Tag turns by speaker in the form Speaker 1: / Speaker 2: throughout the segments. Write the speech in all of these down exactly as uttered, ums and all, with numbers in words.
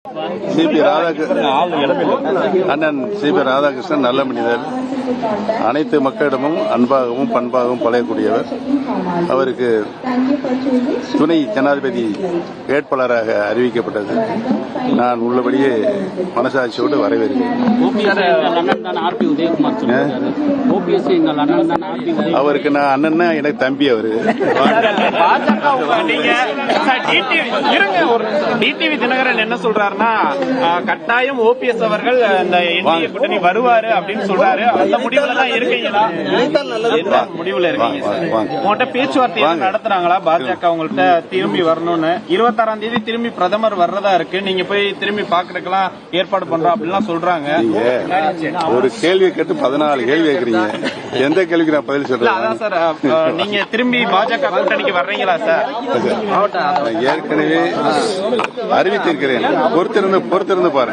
Speaker 1: CP Radhakrishnan அண்ணன் CP Radhakrishnan நல்ல மனிதர். அனைத்து மக்களிடமும் அன்பாகவும் பண்பாகவும் பழகக்கூடியவர். அவருக்கு துணை ஜனாதிபதி வேட்பாளராக அறிவிக்கப்பட்டது. நான் உள்ளபடியே மனசாட்சியோடு வரவேற்கிறேன். அவருக்கு நான் அண்ணன்னா எனக்கு தம்பி. அவரு
Speaker 2: டிடிவி தினகரன் என்ன சொல்றாருன்னா, கட்டாயம் ஓபிஎஸ் அவர்கள் இந்த என்டிஏ கூட்டணி வருவாரு அப்படின்னு சொல்றாரு. அந்த முடிவுல தான் இருக்கீங்களா? முடிவுல இருக்கீங்க. உங்கள்கிட்ட பேச்சுவார்த்தை நடத்துறாங்களா பாஜக உங்கள்கிட்ட திரும்பி வரணும்னு? இருபத்தாறாம் தேதி திரும்பி பிரதமர் வர்றதா இருக்கு. நீங்க போய் திரும்பி பாக்குறதுக்கெல்லாம் ஏற்பாடு பண்றோம் அப்படிலாம் சொல்றாங்க.
Speaker 1: ஒரு கேள்வி கேட்டு பதினாலு கேள்வி கேட்கறீங்க. எந்த கேள்விக்கு நான் பதில் சொல்றேன்?
Speaker 2: அதான் சார், நீங்க திரும்பி பாஜக கூட்டணிக்கு வர்றீங்களா சார்?
Speaker 1: ஏற்கனவே அறிவித்திருக்கிறேன். பொறுத்திருந்து பொறுத்திருந்து பாருங்க.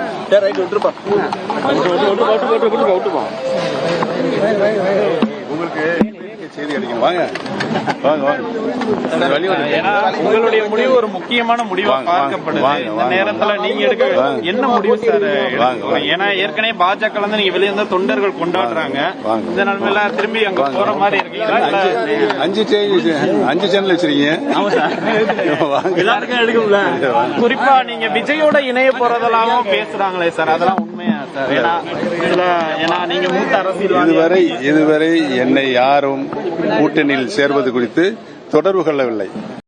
Speaker 1: உங்களுக்கு செய்தி கிடைக்கும். வாங்க வாங்க வாங்க.
Speaker 2: உங்களுடைய முடிவு ஒரு முக்கியமான முடிவா பார்க்கப்படுது. இந்த நேரத்துல நீங்க எடுக்க என்ன முடிவு சார்? ஏன்னா ஏற்கனவே பாஜக வந்து நீங்க வெளியே இருந்த தொண்டர்கள் கொண்டாடுறாங்க. இந்த நிலைமையில திரும்பி அங்க போற மாதிரி இருக்கீங்களா?
Speaker 1: அஞ்சு அஞ்சு சேனல் வச்சிருக்கீங்க.
Speaker 2: எல்லாருக்கும் எடுக்கும்ல. குறிப்பா நீங்க விஜயோட இணைய போறதெல்லாம் பேசுறாங்களே சார், அதெல்லாம் உண்மையா சார்? ஏன்னா நீங்க மூத்த அரசியல்
Speaker 1: இதுவரை இதுவரை என்னை யாரும் கூட்டணியில் சேர்வது குறித்து தொடர்பு கொள்ளவில்லை.